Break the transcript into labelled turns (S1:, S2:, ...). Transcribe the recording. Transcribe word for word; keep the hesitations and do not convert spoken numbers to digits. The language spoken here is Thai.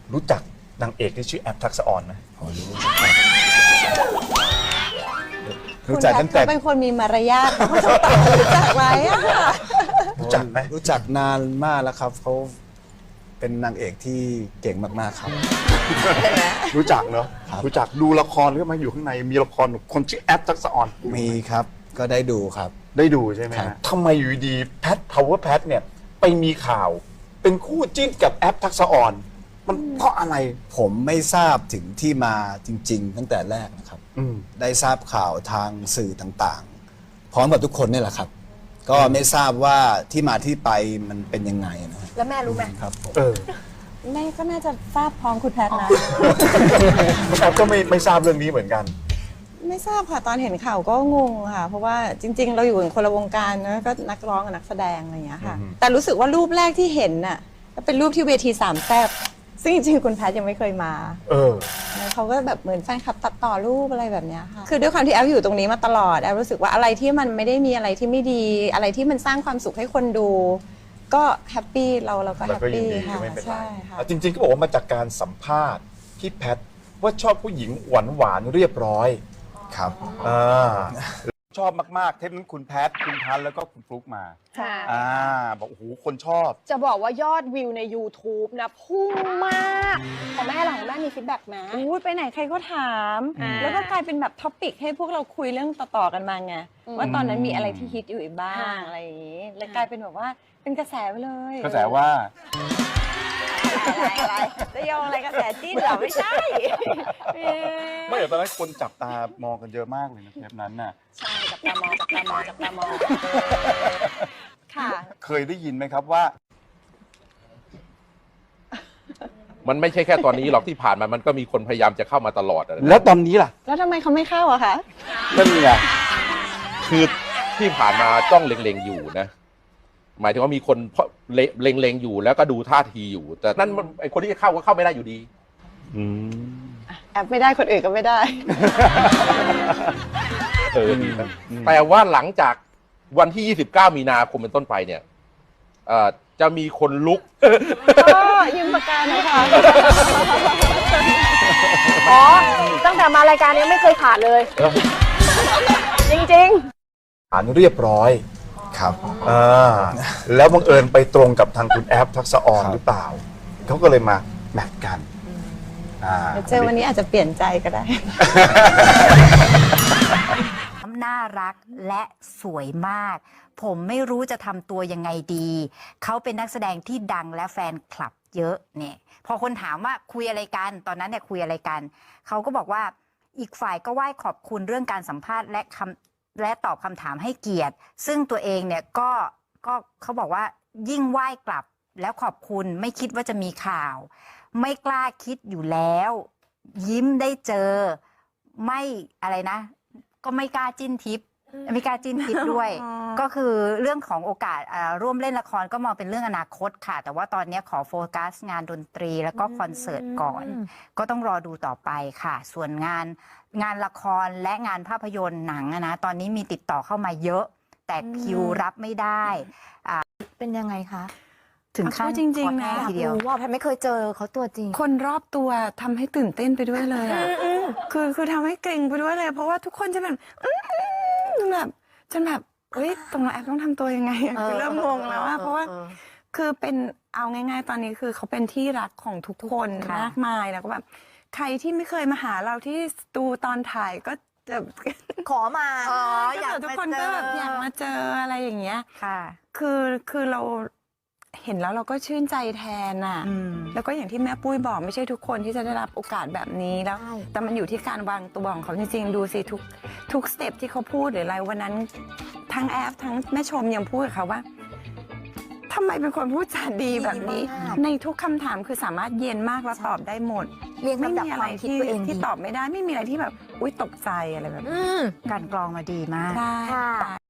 S1: รู้จักนางเอกที่ชื่อแอปทักษะออนไหม
S2: รู้จักตั้งแต่
S3: เขาเป็นคนมีมารยาทเขาจะตอบรู้จักไหมอะค่ะ
S1: รู้จักไหม
S2: รู้จักนานมากแล้วครับเขาเป็นนางเอกที่เก่งมากๆครับ
S1: รู้จักเนาะ
S2: ครับ
S1: รู้จักดูละครหรือมาอยู่ข้างในมีละครคนชื่อแอปทักษะออน
S2: มีครับก็ได้ดูครับ
S1: ได้ดูใช่ไหม
S2: ครั
S1: ฮะ
S2: บ
S1: ทำไมอยู่ดีแพทพาวเวอร์แพทเนี่ยไปมีข่าว เป็นคู่จิ้นกับแอปทักษะออนมันเพราะอะไร
S2: ผมไม่ทราบถึงที่มาจริง ๆ ตั้งแต่แรกนะครับ
S1: อืม
S2: ได้ทราบข่าวทางสื่อต่างๆ พร้อมกับทุกคนนี่แหละครับ ก็ไม่ทราบว่าที่มาที่ไปมันเป็นยังไงนะฮะ
S4: แล้วแม่รู้ไหม
S2: ครับผม
S1: เออ
S3: แม่ก็น่าจะทราบพร้อมคุณแพทย์นะ
S1: แอปก็ไม่ไม่ทราบเรื่องนี้เหมือนกัน
S3: ไม่ทราบค่ะตอนเห็นข่าวก็งงค่ะ เพราะว่าจริง ๆ เราอยู่กันคนละวงการนะก็นักร้องกับนักแสดงอะไรอย่างเงี้ยค่ะ
S1: อือฮึ
S3: แต่รู้สึกว่ารูปแรกที่เห็นน่ะก็เป็นรูปที่เวทีสามแซ่บซึ่งจริงๆคุณแพทย์ยังไม่เคยมา
S1: เออ
S3: แล้วเขาก็แบบเหมือนแฟนคลับตัดต่อรูปอะไรแบบเนี้ยค่ะคือด้วยความที่แอฟอยู่ตรงนี้มาตลอดแอฟรู้สึกว่าอะไรที่มันไม่ได้มีอะไรที่ไม่ดี อะไรที่มันสร้างความสุขให้คนดู ก็แฮปปี้เราเราก็
S1: แล้
S3: แฮ
S1: ว
S3: ป
S1: ก็ยิน
S3: ปี้
S1: ดี
S3: ค่ะ
S1: ไม่เป็นไร
S3: ใช่ค่ะ
S1: อ่ะจริงๆก็บอกว่ามาจากการสัมภาษณ์ที่แพทว่าชอบผู้หญิงหวานหวานๆเรียบร้อย
S2: ครับ
S1: อ่าชอบมากๆเทปนั้นคุณแพทคุณพันธ์แล้วก็คุณฟลุ๊กมา
S4: ค่ะ
S1: อ่าบอกโอ้โหคนชอบ
S4: จะบอกว่ายอดวิวใน YouTube นะพุ่งมากของแม่หลังแม่มีฟีดแบ็กไหม
S3: อู้ยไปไหนใครก็ถาม
S4: อ่า
S3: แล้วก็กลายเป็นแบบท็อปิกให้พวกเราคุยเรื่องต่อๆกันมาไง
S4: อืม
S3: ว่าตอนนั้นมีอะไรที่ฮิตอยู่อีกบ้าง
S4: ค่ะ
S3: อะไรอย่างนี้ แล้วกลายเป็นแบบว่าเป็นกระแสไปเลย
S1: กระแสว่า
S3: อะไรอะไรจะโยงอะไรกระแสจิ้นเหรอไม่ใช่เอ๊ะ
S1: ไม่แต่ตอนนั้นคนจับตามองกันเยอะมากเลยนะเทปนั้นน่ะ
S4: ใช่จับตามองจับตามองจับตามอง
S3: ค่ะ
S1: เคยได้ยินไหมครับว่า
S5: มันไม่ใช่แค่ตอนนี้หรอกที่ผ่านมามันก็มีคนพยายามจะเข้ามาตลอดอะนะ
S1: แล้วตอนนี้ล่ะ
S3: แล้วทำไมเขาไม่เข้าอะคะ
S1: นั่นไง
S5: คือที่ผ่านมาจ้องเล็งๆอยู่นะ หมายถึงว่ามีคนเพราะเล็งๆอยู่แล้วก็ดูท่าทีอยู่ แต่นั่นมันไอคนที่จะเข้าก็เข้าไม่ได้อยู่ดี
S1: อืม
S3: แอบไม่ได้คนอื่นก็ไม่ได้
S5: เออดีนะแต่ว่าหลังจากวันที่ ยี่สิบเก้า มีนาคมเป็นต้นไปเนี่ยเอ่อจะมีคนลุก
S3: ก็ยืมปากกาหนะคะ
S4: อ๋อ ตั้งแต่มารายการนี้ไม่เคยขาดเลย จริง
S1: อ่านเรียบร้อย
S2: ครับ
S1: อ่าแล้วบังเอิญไปตรงกับทางคุณแอฟทักษะออน
S2: ครับ
S1: หรือเปล่า เขาก็เลยมาแมทกันอ่า
S3: เจอวันนี้อาจจะเปลี่ยนใจก็ได้
S6: น่ารักและสวยมาก ผมไม่รู้จะทำตัวยังไงดี เขาเป็นนักแสดงที่ดังและแฟนคลับเยอะเนี่ยพอคนถามว่าคุยอะไรกันตอนนั้นเนี่ยคุยอะไรกัน เขาก็บอกว่าอีกฝ่ายก็ไหว้ขอบคุณเรื่องการสัมภาษณ์และคำและตอบคำถามให้เกียรติ ซึ่งตัวเองเนี่ยก็ก็เขาบอกว่ายิ่งไหว้กลับแล้วขอบคุณไม่คิดว่าจะมีข่าว ไม่กล้าคิดอยู่แล้ว ยิ้มได้เจอไม่อะไรนะ ก็ไม่กล้าจิ้นทิปไม่กล้าจิ้นทิปด้วย
S3: อ๋อ
S6: ก็คือเรื่องของโอกาสอ่าร่วมเล่นละครก็มองเป็นเรื่องอนาคตค่ะ แต่ว่าตอนนี้ขอโฟกัสงานดนตรีแล้วก็คอนเสิร์ตก่อน ก็ต้องรอดูต่อไปค่ะ ส่วนงานงานละครและงานภาพยนตร์หนังอะนะตอนนี้มีติดต่อเข้ามาเยอะ แต่คิวรับไม่ได้
S4: ๆ เป็นยังไงคะ
S6: ถึงขั้น
S3: เอาพูดจริงๆนะ
S6: ขอแห้ทีเดียว
S4: รู้ว่าแพทย์ไม่เคยเจอเขาตัวจริง
S3: คนรอบตัวทำให้ตื่นเต้นไปด้วยเลยอะคือคือทำให้เกรงไปด้วยเลย เพราะว่าทุกคนจะแบบอื้อหือแบบจนแบบเฮ้ยตรงนั้นแอปต้องทำตัวยังไงอะคือเริ่มงงแล้วอะเพราะว่า คือเป็นเอาง่ายๆ ตอนนี้คือเขาเป็นที่รักของทุกคน
S6: ค่ะ
S3: มากมายแล้วก็แบบใครที่ไม่เคยมาหาเราที่สตูตอนถ่ายก็จะ
S4: ขอมา
S6: อ๋อ
S3: ก็
S6: อยาก
S3: แบบทุกคน
S6: มาเจ
S3: ก็
S6: อ
S3: แบบอยากมาเจออะไรอย่างเงี้ย
S6: ค่ะ
S3: คือคือเราเห็นแล้วเราก็ชื่นใจแทนอ่ะ
S6: อืม
S3: แล้วก็อย่างที่แม่ปุ้ยบอกไม่ใช่ทุกคนที่จะได้รับโอกาสแบบนี้แล้ว
S4: ใช่
S3: แต่มันอยู่ที่การวางตัวของเขาจริงๆ ดูสิทุกทุกสเต็ปที่เขาพูดหรืออะไรวันนั้นทั้งแอฟทั้งแม่ชมยังพูดกับเขาว่าทำไมเป็นคนพูดจาดีแบบนี้
S4: ดีมาก
S3: ในทุกคำถามคือสามารถเย็นมากแล้วตอบได้หมด
S4: เรียง
S3: ไม่
S4: ลำดับ
S3: มี
S4: ค
S3: อะไร
S4: วามคิด
S3: ที่
S4: ตัวเอง
S3: ที่
S4: ดี
S3: ตอบไม่ได้ไม่มีอะไรที่แบบอุ้ยตกใจอะไรแบบนี้
S4: อืม
S6: การกรองมาดีมาก
S3: ใช่
S4: ค่ะ